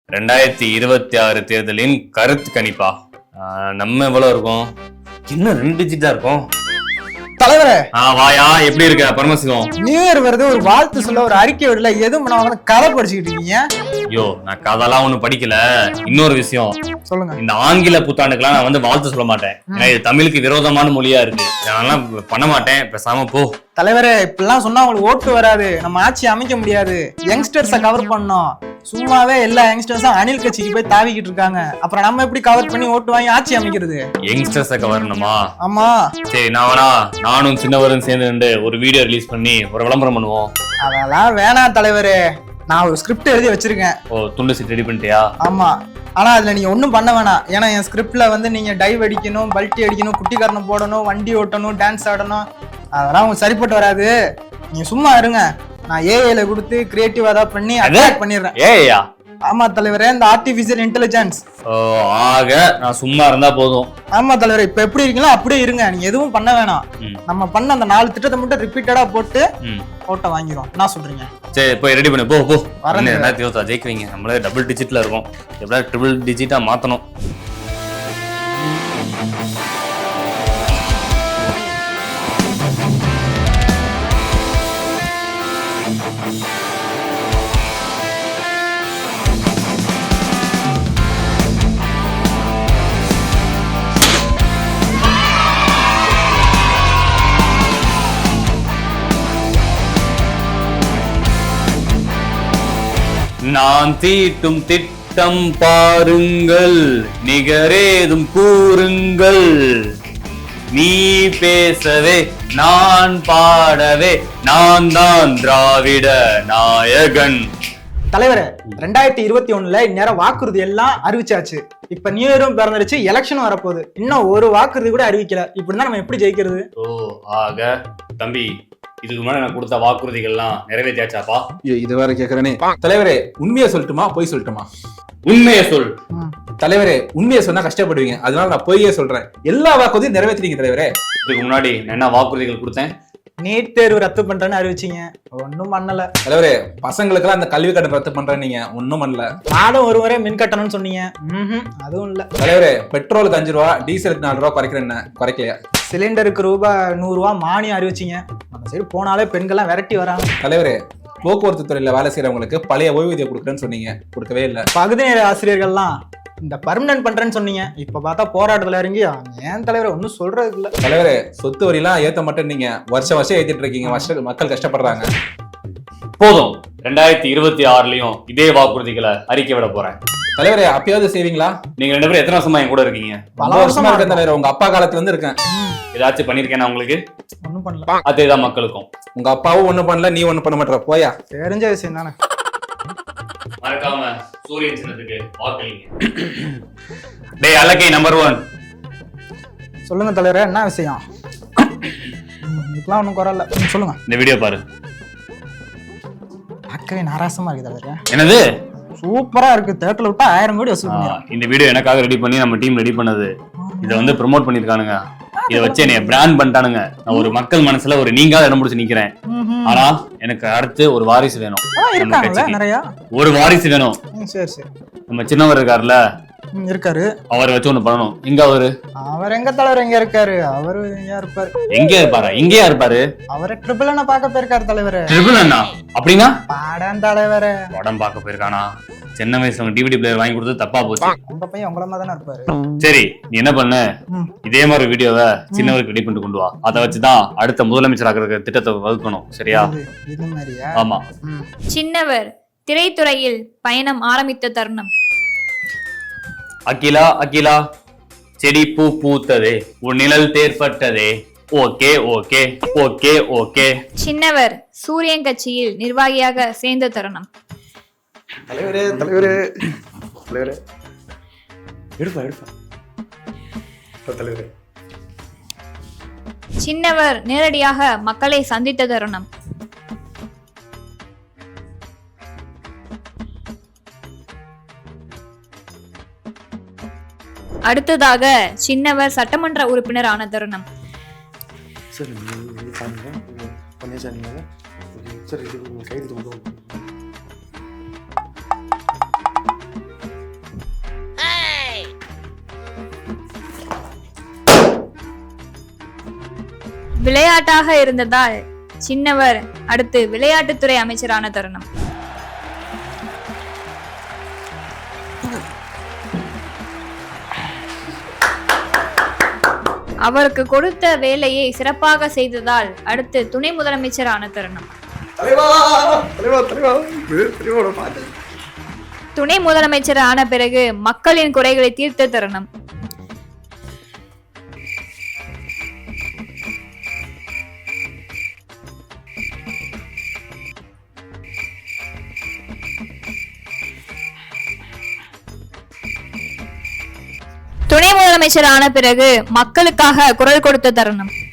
2026 தேர்தலின் கருத்து கணிப்பா. நம்ம எவ்வளவு இருக்கும்? இன்னும் 2 டிஜிட்டா இருக்கும். தலைவரே வாயா, எப்படி இருக்க பரமசிவம்? நியூ இயர் வருது, ஒரு வாழ்த்து சொல்ல ஒரு அறிக்கை விடல, எதுவும் பண்ண கதை படிச்சுக்கிட்டு இருக்கீங்க. ஐயோ, நான் கதெல்லாம் ஒண்ணும் படிக்கல. இன்னொரு விஷயம் சொல்லுங்க. இந்த ஆங்கில புத்தாண்டுக்கெல்லாம் நான் வந்து வாழ்த்து சொல்ல மாட்டேன். ஏன்னா இது தமிழுக்கு விரோதமான மொழியா இருக்கு. அதெல்லாம் பண்ண மாட்டேன். பேசாம போ. தலைவரே, இப்படிலாம் சொன்னா உங்களுக்கு ஓட்டு வராது, நம்ம ஆட்சி அமைக்க முடியாது. யங்ஸ்டர்ஸை கவர் பண்ணோம். சும்மாவே எல்லா யங்ஸ்டர்ஸும் அணில் கட்சிக்கு போய் தாவிக்கிட்டு இருக்காங்க. அப்புறம் நம்ம எப்படி கவர் பண்ணி ஓட்டு வாங்கி ஆட்சி அமைக்கிறது? யங்ஸ்டர்ஸை கவரணுமா? ஆமா. சரி, நானும் சின்னவரும் சேர்ந்து ஒரு வீடியோ ரிலீஸ் பண்ணி ஒரு விளம்பரம் பண்ணுவோம். அதெல்லாம் வேணாம் தலைவரே, நான் ஒரு ஸ்கிரிப்ட் எழுதி வச்சிருக்கேன். ஓ, துண்டு சீட் ரெடி பண்ணிட்டியா? ஆமா. ஆனா அதுல நீங்க ஒண்ணும் பண்ண வேணாம். ஏன்னா என் ஸ்கிரிப்ட்ல வந்து நீங்க டைவ் அடிக்கணும், பல்ட்டி அடிக்கணும், குட்டிக்காரனை போடணும், வண்டி ஓட்டணும், டான்ஸ் ஆடணும். அதெல்லாம் உங்களுக்கு சரிப்பட்டு வராது. நீங்க சும்மா இருங்க. நான் ஏஐல கொடுத்து கிரியேட்டிவா தான் பண்ணி அட்டாக் பண்ணிடுறேன். ஏஐயா? ஆமா தலைவரே, இந்த ஆர்டிபிஷியல் இன்டெலிஜென்ஸ். ஆக நான் சும்மா இருந்தா போதும். ஆமா தலைவரே, இப்ப எப்படி இருக்கீங்களோ அப்படியே இருங்க. நீங்க எதுவும் பண்ண வேணாம். நம்ம பண்ண அந்த 4 திட்டத்தை மட்டும் ரிப்பீட்டடா போட்டு ஓட்ட வாங்கிரும். என்ன சொல்றீங்க? சரி, போய் ரெடி பண்ணு. போ. ஜெயிக்குவீங்க. நம்மளே டபுள் டிஜிட்ல இருக்கும். எப்படியா ட்ரிபிள் டிஜிட்டா மாத்தணும். நான் தீட்டும் திட்டம் பாருங்கள், நிகரேதும் கூறுங்கள். நீ பேசவே நான் பாடவே, நான் தான் திராவிட நாயகன். தலைவரே, 2021ல இந்நேரம் வாக்குறுதி எல்லாம் அறிவிச்சாச்சு. இப்ப நியூ இயரும் பிறந்துருச்சு, எலெக்ஷன் வரப்போகுது. இன்னும் ஒரு வாக்குறுதி கூட அறிவிக்கல. இப்படிதான் நம்ம எப்படி ஜெயிக்கிறது? ஆக தம்பி, இதுக்கு முன்னாடி நான் கொடுத்த வாக்குறுதிகள்லாம் நிறைவேற்றியாச்சாப்பா? இது வேற கேக்குறேனே. தலைவரே, உண்மையை சொல்லட்டுமா பொய் சொல்லட்டுமா? உண்மையை சொல். தலைவரே, உண்மையை சொன்னா கஷ்டப்படுவீங்க, அதனால நான் பொய்யே சொல்றேன். எல்லா வாக்குறுதியும் நிறைவேற்றினீங்க தலைவரே. இதுக்கு முன்னாடி நான் என்ன வாக்குறுதிகள் கொடுத்தேன்? நீட் தேர்வு ரத்து பண்றேன்னு அறிவிச்சீங்க, ஒன்னும் பண்ணல. தலைவரே, பசங்களுக்கெல்லாம் அந்த கல்வி கட்டணம் ரத்து பண்றேன், நீங்க ஒன்னும் பண்ணல. நானும் ஒரு முறை மின் கட்டணம்னு சொன்னீங்க, அதுவும் இல்ல. தலைவரே, பெட்ரோலுக்கு 5 ரூபா, டீசலுக்கு 4 ரூபா குறைக்கிறேன், குறைக்கலையா? சிலிண்டருக்கு ரூபாய் 100 ரூபா மானியம் அறிவிச்சீங்க. நம்ம சைடு போனாலே பெண்கள்லாம் விரட்டி வராங்க. தலைவரே, போக்குவரத்து துறையில வேலை செய்யறவங்களுக்கு பழைய ஓய்வூதியம் கொடுக்குறேன்னு சொன்னீங்க, கொடுக்கவே இல்ல. பகுதி நேர ஆசிரியர்கள்லாம் இந்த பர்மனன்ட் பண்றேன்னு சொன்னீங்க, இப்ப பார்த்தா போராட்டத்துல இறங்கி ஏன் தலைவரை ஒன்னும் சொல்றது இல்ல. தலைவரே, சொத்து வரியெல்லாம் ஏத்த மட்டும் நீங்க வருஷம் ஏத்திட்டு இருக்கீங்க, மக்கள் கஷ்டப்படுறாங்க. போதும். 2026லயும் இதே வாக்குறுதிகளை அறிக்கை விட போறேன். தலைவரே, அப்பயாவது செய்வீங்களா? நீங்க 2 பேரும் எத்தனை வருஷமா என் கூட இருக்கீங்க? பல வருஷமா இருக்கேன் தலைவரே. உங்க அப்பா காலத்துல இருந்து இருக்கேன். ஏதாச்சும் பண்ணிருக்கேன் உங்களுக்கு? ஒன்னும் பண்ணல. அதேதான் மக்களுக்கும். உங்க அப்பாவும் ஒண்ணும் பண்ணல, நீ ஒண்ணும் பண்ண மாட்டற. போயா, தெரிஞ்ச விஷயம் தானே. மறக்காம சூரியன் சின்னத்துக்கு வாக்களிங்க. டேய் அலக்கை நம்பர் 1. சொல்லுங்க தலைவரே, என்ன விஷயம்? இதுக்கெல்லாம் ஒன்றும் குறல, சொல்லுங்க. இந்த வீடியோ பாரு. பார்க்கவே நாராசமா இருக்கு தலைவரே. என்னது? சூப்பரா இருக்கு. தேட்டர்ல விட்டா 1000 கோடி வசூல் பண்ணிடலாம். இந்த வீடியோ எனக்காக ரெடி பண்ணி நம்ம டீம் ரெடி பண்ணது. இதை வந்து ப்ரோமோட் பண்ணிருக்கானுங்க. இதை வச்சு என்னைய பிராண்ட் பண்ணிட்டானுங்க. நான் ஒரு மக்கள் மனசுல ஒரு நீங்காத இடம் பிடிச்சு நிக்கிறேன். ஆனா எனக்கு அடுத்து ஒரு வாரிசு வேணும். நிறைய ஒரு வாரிசு வேணும். சரி சரி. நம்ம சின்னவர் இருக்காருல்ல, இருக்காரு, அவரை வச்சு ஒண்ணு பண்ணணும். எங்க அவர் எங்க தலைவர் எங்க இருக்காரு? அவரு இருப்பாரு. எங்க இருப்பாரு? எங்கேயா இருப்பாரு? அவரை ட்ரிபிள் அண்ணா பார்க்க போயிருக்காரு தலைவரு. ட்ரிபிள் அண்ணா அப்படின்னா? பாடம் தலைவரு. படம் பார்க்க போயிருக்கானா? சின்ன வயசுல டிவிடி பிளேயர் வாங்கி கொடுத்து தப்பா போச்சு. உங்க பையன் உங்கள மாதிரி தானே இருப்பாரு. சரி, நீ என்ன பண்ணு, இதே மாதிரி வீடியோவை சின்னவருக்கு ரெடி பண்ணிட்டு கொண்டு வா. அதை வச்சுதான் அடுத்த முதலமைச்சர் ஆகிற திட்டத்தை வகுக்கணும். சரியா? இது மாதிரியா? ஆமா. சின்னவர் திரைத்துறையில் பயணம் ஆரம்பித்த தருணம். அகிலா அகிலா, செடி பூ பூத்ததே, உன் நிழல் தேர்ப்பட்டதே. Okay okay okay okay. சின்னவர் சூரியன் கட்சியில் நிர்வாகியாக சேர்ந்த தருணம். தலைவரே தலைவரே தலைவரே, எடுப்பா தலைவரே. சின்னவர் நேரடியாக மக்களை சந்தித்த தருணம். அடுத்ததாக சின்னவர் சட்டமன்ற உறுப்பினர் ஆன தருணம். விளையாட்டாக இருந்ததால் சின்னவர் அடுத்து விளையாட்டுத்துறை அமைச்சரான தருணம். அவருக்கு கொடுத்த வேலையை சிறப்பாக செய்ததால் அடுத்து துணை முதலமைச்சரான தருணம். துணை முதலமைச்சர் ஆன பிறகு மக்களின் குறைகளை தீர்த்த தருணம். துணை முதலமைச்சர் ஆன பிறகு மக்களுக்காக குரல் கொடுத்த தருணம்.